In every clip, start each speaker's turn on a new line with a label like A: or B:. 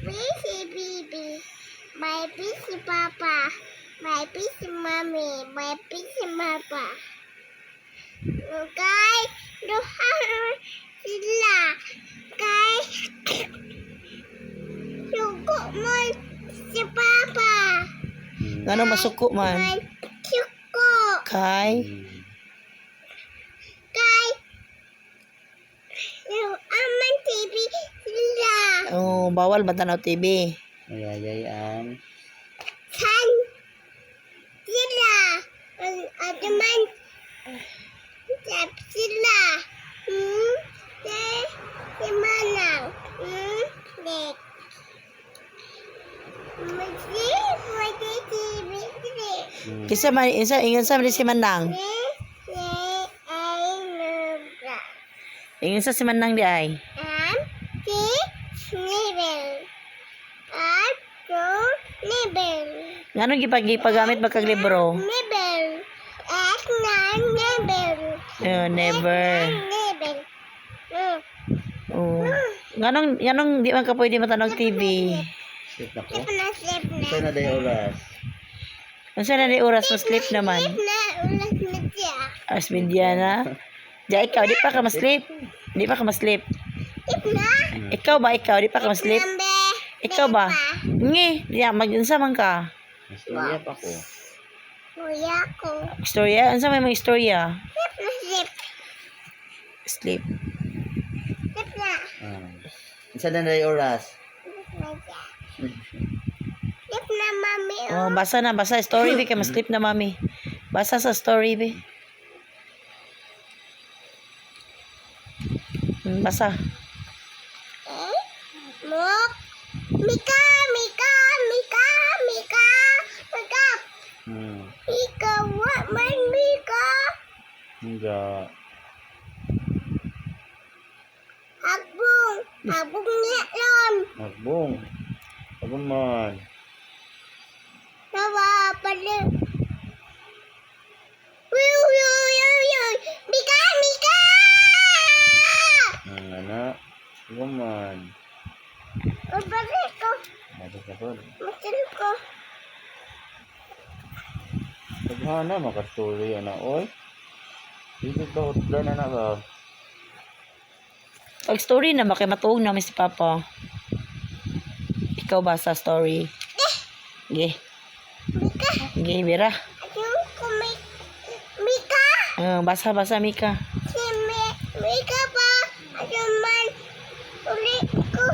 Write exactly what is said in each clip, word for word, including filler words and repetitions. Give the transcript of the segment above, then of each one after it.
A: busy baby. My busy papa. My busy mommy. My busy papa. Guys, doon sila. Guys, suko mo si papa.
B: Ngano masuko man?
A: My suko.
B: Kay
A: Guys, yung aman T V sila.
B: oh, bawal ba tanaw T V?
C: Mayayayan.
A: San sila. Ang adaman sap sila. Hmm? Si, si Manang. Hmm? Dek. Masi, masi T V sila.
C: Hmm.
B: Kisa man isa ingon sa man si Manang.
A: Si, si, ay, nubra.
B: Ingon sa si Manang di ay.
A: Am, si, nibel. At, so, nibel.
B: Ngano gipagipagamit ba kag libro?
A: Nibel. At, na, nibel.
B: Oh, never.
A: Nibel. Hmm.
B: Oh. Nganong nganong di man ka pwede matanog T V?
C: Sleep na ko.
A: Slip na, slip na.
C: Ito na day oras.
B: Unsa na di oras mo sleep naman?
A: Slip na, ulas na siya.
B: As Mediana. Di ikaw di pa ka ma-sleep. Di pa ka ma-sleep.
A: Slip na.
B: Ikaw ba ikaw di pa ka ma-sleep?
A: Nambe.
B: Ikaw ba? Ngi, diya mag-unsa man ka?
C: Masaya pa ko.
A: Kuya ko.
B: Istorya, unsa may mga istorya?
A: Slip na, slip.
B: Sleep.
A: Slip na.
C: Ah. Isa na day oras.
A: Slip na siya. Slip na, mami.
B: Oh, basa na, basa story be kay ma-sleep na mami. Basa sa story be. Hmm, basa.
A: Eh? Mok. Mika, Mika, Mika, Mika. Mika.
C: Hmm.
A: Mika, what man, Mika?
C: Enggak.
A: Agbong. Agbong niya lang.
C: Magbong. Apa man?
A: Nawa pala. Wiu, wiu, wiu, wiu. Mika, Mika!
C: Ang anak. Apa man?
A: Mabalik ko.
C: Ada kapal.
A: Matil ko.
C: Paghana makasturi anak oy. Dito ba utlan anak ba?
B: Pag story na makay matuog namin si Papa. Ikaw ba sa story? Ge.
A: Mika.
B: Ge, Bira.
A: Ayun ko, Mi- Mika.
B: Uh, basa, basa, Mika.
A: Si Mi- Mika pa. Ayun man. Uli ko.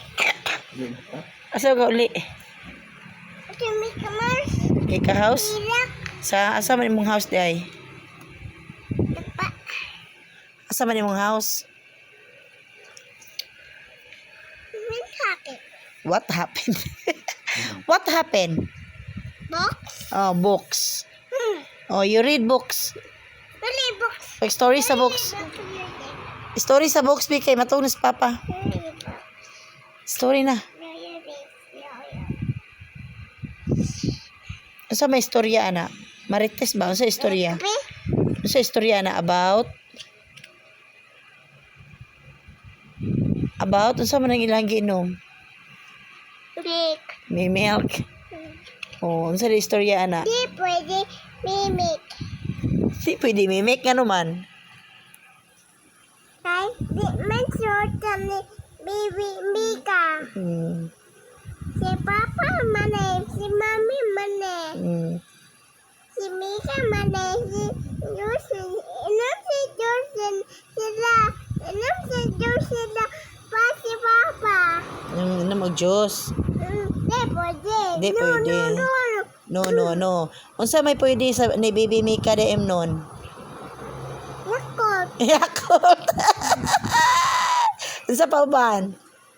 B: Asa ka uli?
A: Si Mika man.
B: Kay ka house?
A: Ilak.
B: Sa asa man imong house di ay?
A: Dapa.
B: Asa man imong house?
A: Min sakit.
B: What happened? What happened?
A: Box.
B: Oh, books.
A: Hmm.
B: Oh, you read books.
A: Uli box.
B: Like story sa books. Story sa books, bi kay matuog na si Papa.
A: Uli box.
B: Story na. Unsa may istorya ana? Marites ba? Unsa istorya?
A: Sabi?
B: Unsa istorya na about? About unsa man ang ilang giinom?
A: Milk.
B: May milk. Oh, unsa di istorya ana?
A: Di pwede mimik.
B: Di pwede mimik nga naman.
A: Kay di man short ni baby Mika.
B: Hmm.
A: Si Papa mane, si Mami mane,
B: Hmm.
A: si Mika mane, si Jocelyn. Inom si Jocelyn sila. Inom si Jocelyn sila pa si Papa.
B: Ano na mag Diyos?
A: Mm, di pwede.
B: Di
A: no,
B: pwede.
A: No, no, no.
B: No, no, no. Unsa may pwede sa ni Baby Mika D M nun?
A: Yakot.
B: Yakult. Unsa pa uban?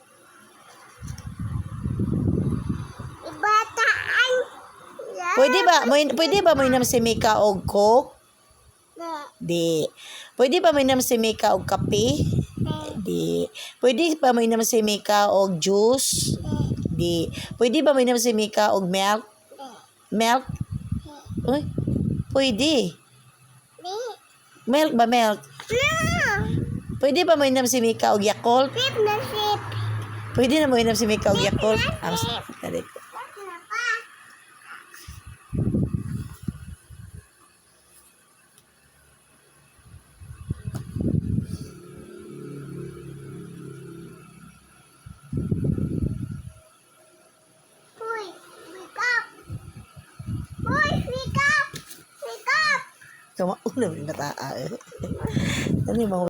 A: Ibataan. Yeah.
B: Pwede ba? Mo pwede ba mo inom si Mika og Coke?
A: Di.
B: Di. Pwede ba mo inom si Mika og kape? Di. Pwede ba mo inom si Mika og juice? Di. Pwede ba mo inom si Mika og milk? Milk? Uy, pwede.
A: Di.
B: Milk ba milk?
A: No.
B: Pwede ba mo inom si Mika og Yakult?
A: Sip na sip.
B: Pwede na mo inom si Mika og Yakult. Ang dali.
A: Bakla pa. Uy, wake up! Uy, wake up! Wake up!
B: Kamauna mo yung bataa eh. Ano yung mga